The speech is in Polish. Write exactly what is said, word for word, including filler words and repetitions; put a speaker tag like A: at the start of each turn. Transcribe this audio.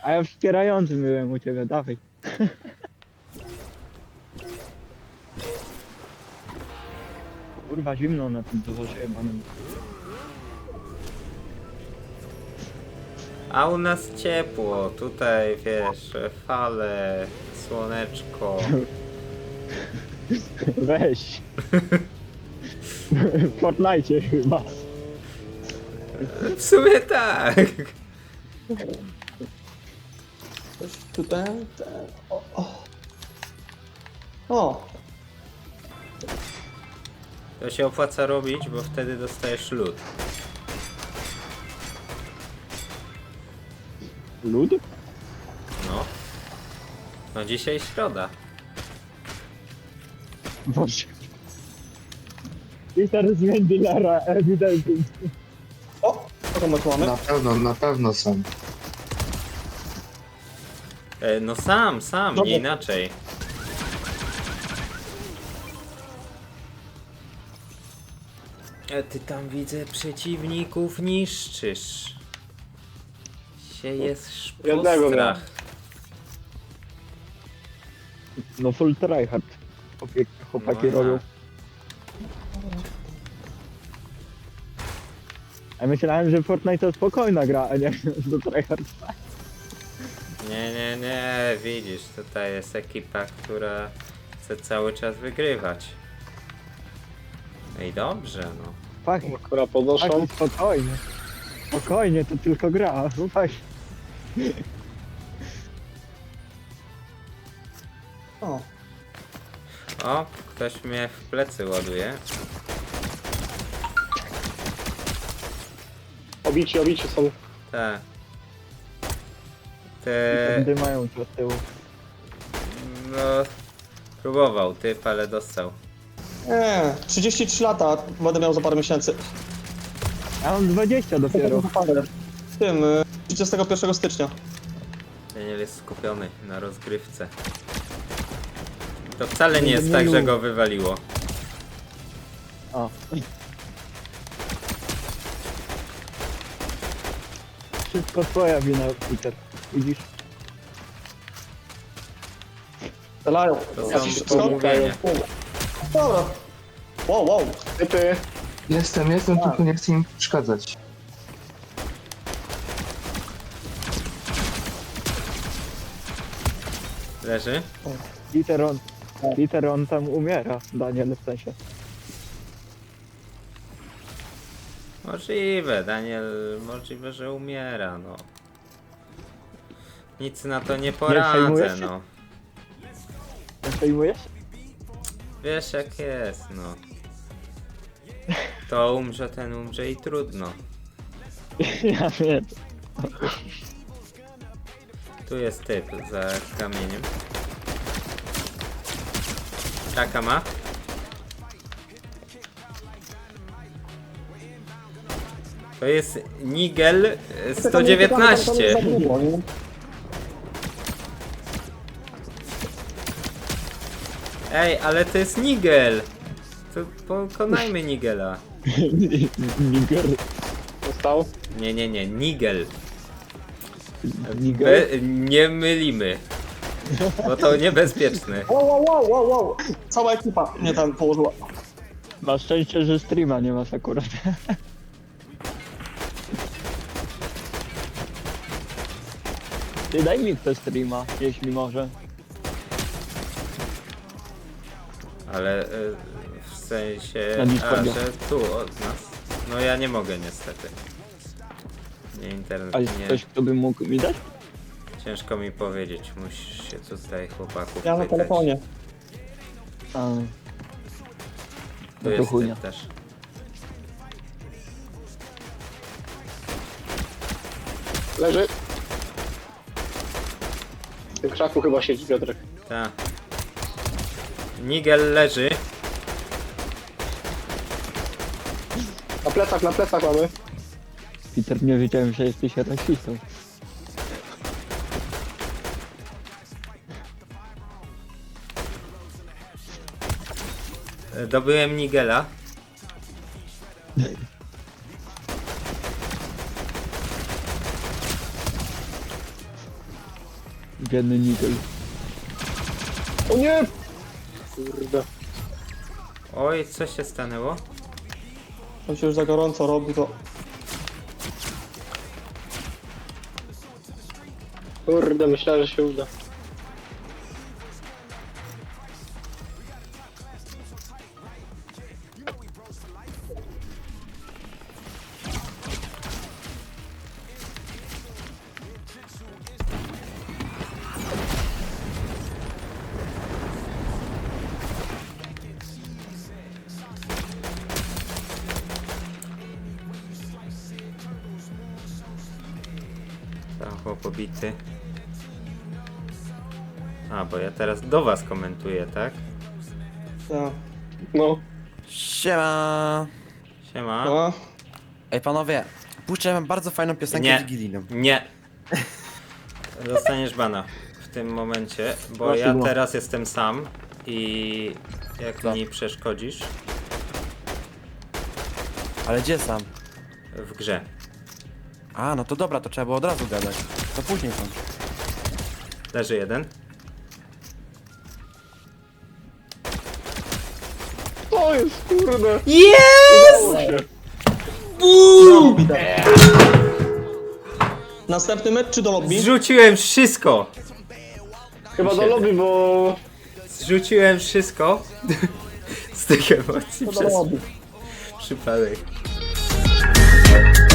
A: A ja wspierającym byłem u ciebie, dawaj. Kurwa zimno na tym dworze jebanym.
B: A u nas ciepło, tutaj wiesz, fale, słoneczko.
A: Weź. W Fortnite chyba.
B: W sumie tak.
C: Coś tutaj, te, o, o. O,
B: To się opłaca robić, bo wtedy dostajesz lód.
A: Lud?
B: No. No dzisiaj środa.
A: Boże. Peter z Mendilera, ewidentnie.
C: o, kogo my tu mamy?
D: Na pewno, na pewno są.
B: E, no sam, sam,
C: Dobra.
B: nie inaczej. E, ty tam widzę przeciwników niszczysz. Siejesz
C: Jednego
B: postrach.
A: No full tryhard. Chłopie- Chłopaki
B: No,
A: robią. Ja myślałem, że Fortnite to spokojna gra, a nie do tryhard.
B: Nie, nie, nie, widzisz, tutaj jest ekipa, która chce cały czas wygrywać. No i dobrze, no.
A: Fak,
C: Która podnoszą.
A: fak, spokojnie. Spokojnie, to tylko gra. Słuchaj.
C: O,
B: O, ktoś mnie w plecy ładuje.
C: obici, obici są.
B: Tak. Te...
A: Gdy mają tu od tyłu.
B: No... Próbował typ, ale dostał.
C: Nie, trzydzieści trzy lata będę miał za parę miesięcy.
A: Ja mam dwadzieścia dopiero.
C: W tym, y, trzydziestego pierwszego stycznia.
B: Daniel jest skupiony na rozgrywce. To wcale nie jest tak, że go wywaliło.
A: O. Wszystko twoja wina, Peter. Widzisz?
C: Strzelają.
B: To
C: Ja
B: są
C: ci-
B: pomówienia.
C: Dobra. Wow, wow. Typy.
D: Jestem, jestem, tylko nie chcę im przeszkadzać.
B: Leży?
A: Peter on, Peter on tam umiera, Daniel w sensie.
B: Możliwe, Daniel, możliwe, że umiera, no. Nic na to nie poradzę,
A: przejmujesz się?
B: no.
A: Nie przejmujesz?
B: Wiesz jak jest, no. To umrze, ten umrze i trudno.
A: Ja wiem.
B: Tu jest typ za kamieniem. Taka ma. To jest Nigel sto dziewiętnaście. Ej, ale to jest Nigel. To pokonajmy Nigela.
A: Niger.
C: Został.
B: Nie, nie, nie, Nigel.
A: Niger.
B: Be nie mylimy. Bo to niebezpieczne.
C: Wow, wow, wow, wow, wow. Cała ekipa mnie tam położyła.
A: Masz szczęście, że streama nie masz akurat. Ty daj mi te streama, jeśli może.
B: Ale y, w sensie,
A: Na
B: a,
A: Discordzie.
B: że tu od nas. No ja nie mogę niestety. Nie internet,
A: A jest
B: nie.
A: ktoś, kto by mógł mi dać?
B: Ciężko mi powiedzieć, musisz się tutaj chłopaków
C: Ja na
B: pytać.
C: telefonie.
A: A,
B: Tu
A: no to
B: jest
A: chujnia.
B: typ też.
C: Leży. W tym krzaku chyba siedzi Piotrek.
B: Ta. Nigel leży.
C: Na plecach, na plecach mamy.
A: Peter, nie wiedziałem, że jesteś rasistą.
B: E, Dobyłem Nigela.
A: Biedny Nigel.
E: O nie! Kurde.
B: Oj, co się stanęło?
C: To się już za gorąco robi, to...
E: Kurde, myślałem, że się uda.
B: Tam chłop pobity. A, bo ja teraz do was komentuję, tak?
C: Tak.
E: No.
F: Siema!
B: Siema.
C: No.
F: Ej panowie, puszczę wam bardzo fajną piosenkę
B: Nie.
F: wigilijną.
B: Nie. Dostaniesz bana w tym momencie, bo
E: Proszę,
B: ja
E: no.
B: teraz jestem sam i jak
F: Co?
B: mi przeszkodzisz
F: Ale gdzie sam?
B: w grze.
F: A, no to dobra, to trzeba było od razu gadać. To później tam.
B: Leży jeden.
E: To jest, kurde.
B: Jest!
C: Następny mecz czy do lobby?
B: Zrzuciłem wszystko!
E: Chyba do lobby, bo...
B: Zrzuciłem wszystko z tych emocji
C: To do
B: przez
C: lobby.
B: przypadek.